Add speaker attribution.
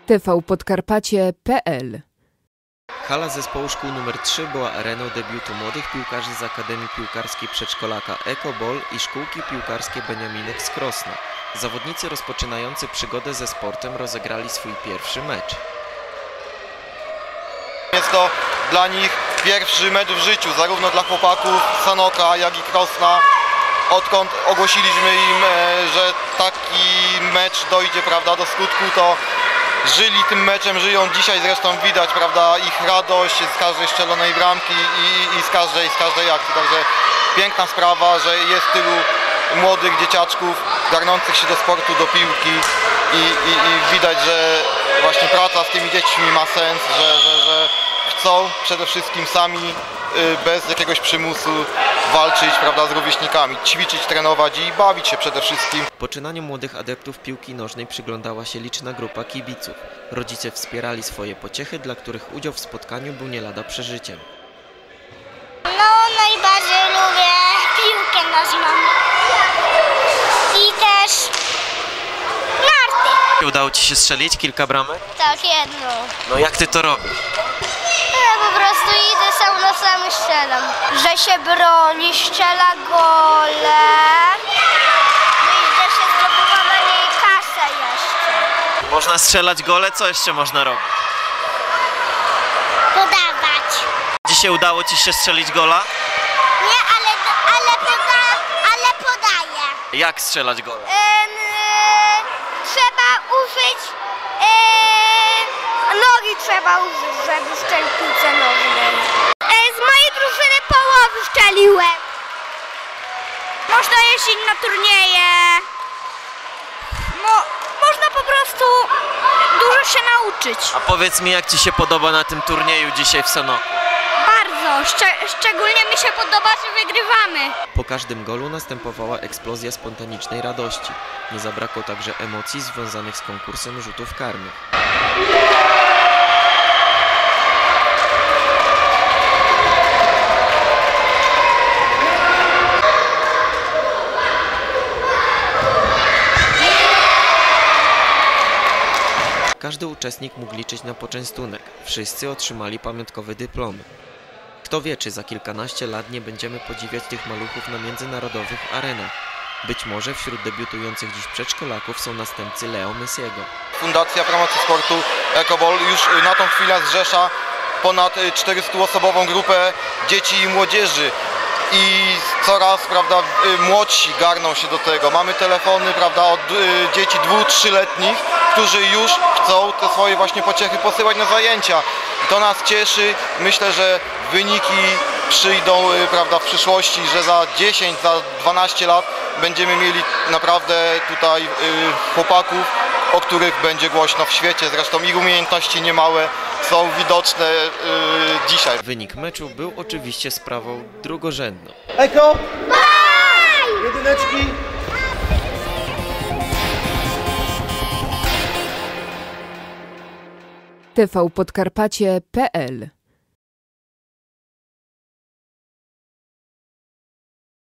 Speaker 1: tvpodkarpacie.pl.
Speaker 2: Hala zespołu szkół nr 3 była areną debiutu młodych piłkarzy z Akademii Piłkarskiej Przedszkolaka Ekobol i szkółki piłkarskie Beniaminek z Krosna. Zawodnicy rozpoczynający przygodę ze sportem rozegrali swój pierwszy mecz.
Speaker 3: Jest to dla nich pierwszy mecz w życiu, zarówno dla chłopaków Sanoka, jak i Krosna. Odkąd ogłosiliśmy im, że taki mecz dojdzie, prawda, do skutku, to żyli tym meczem, żyją dzisiaj, zresztą widać, prawda, ich radość z każdej strzelonej bramki i z każdej akcji. Także piękna sprawa, że jest tylu młodych dzieciaczków garnących się do sportu, do piłki i widać, że właśnie praca z tymi dziećmi ma sens, że chcą przede wszystkim sami, bez jakiegoś przymusu walczyć, prawda, z rówieśnikami, ćwiczyć, trenować i bawić się przede wszystkim.
Speaker 2: Poczynaniu młodych adeptów piłki nożnej przyglądała się liczna grupa kibiców. Rodzice wspierali swoje pociechy, dla których udział w spotkaniu był nie lada przeżyciem.
Speaker 4: Najbardziej lubię piłkę nożną i też narty.
Speaker 2: Udało Ci się strzelić kilka bramek?
Speaker 4: Tak, jedną.
Speaker 2: No jak Ty to robisz?
Speaker 4: Ja po prostu idę sam na sam i strzelam. Że się broni, strzela gole, no i że się zdobywa na niej kasę jeszcze.
Speaker 2: Można strzelać gole, co jeszcze można robić?
Speaker 4: Podawać.
Speaker 2: Dzisiaj udało Ci się strzelić gola?
Speaker 4: Nie, ale podaję.
Speaker 2: Jak strzelać gola?
Speaker 4: Trzeba użyć, nogi trzeba użyć, żeby strzelić piłce nożnej. Z mojej drużyny połowy strzeliłem. Można jeździć na turnieje. Można po prostu dużo się nauczyć.
Speaker 2: A powiedz mi, jak Ci się podoba na tym turnieju dzisiaj w Sanoku?
Speaker 4: Bardzo. Szczególnie mi się podoba, że wygrywamy.
Speaker 2: Po każdym golu następowała eksplozja spontanicznej radości. Nie zabrakło także emocji związanych z konkursem rzutów karnych. Każdy uczestnik mógł liczyć na poczęstunek. Wszyscy otrzymali pamiątkowe dyplomy. Kto wie, czy za kilkanaście lat nie będziemy podziwiać tych maluchów na międzynarodowych arenach. Być może wśród debiutujących dziś przedszkolaków są następcy Leo Messiego.
Speaker 3: Fundacja Promocji Sportu Ekobol już na tą chwilę zrzesza ponad 400-osobową grupę dzieci i młodzieży. I coraz, prawda, młodsi garną się do tego. Mamy telefony, prawda, od dzieci 2-3-letnich, którzy już chcą te swoje właśnie pociechy posyłać na zajęcia. I to nas cieszy. Myślę, że wyniki przyjdą, prawda, w przyszłości, że za 10, za 12 lat będziemy mieli naprawdę tutaj chłopaków, o których będzie głośno w świecie. Zresztą ich umiejętności niemałe są widoczne dzisiaj.
Speaker 2: Wynik meczu był oczywiście sprawą drugorzędną.
Speaker 5: Eko! Jedyneczki!
Speaker 1: tvpodkarpacie.pl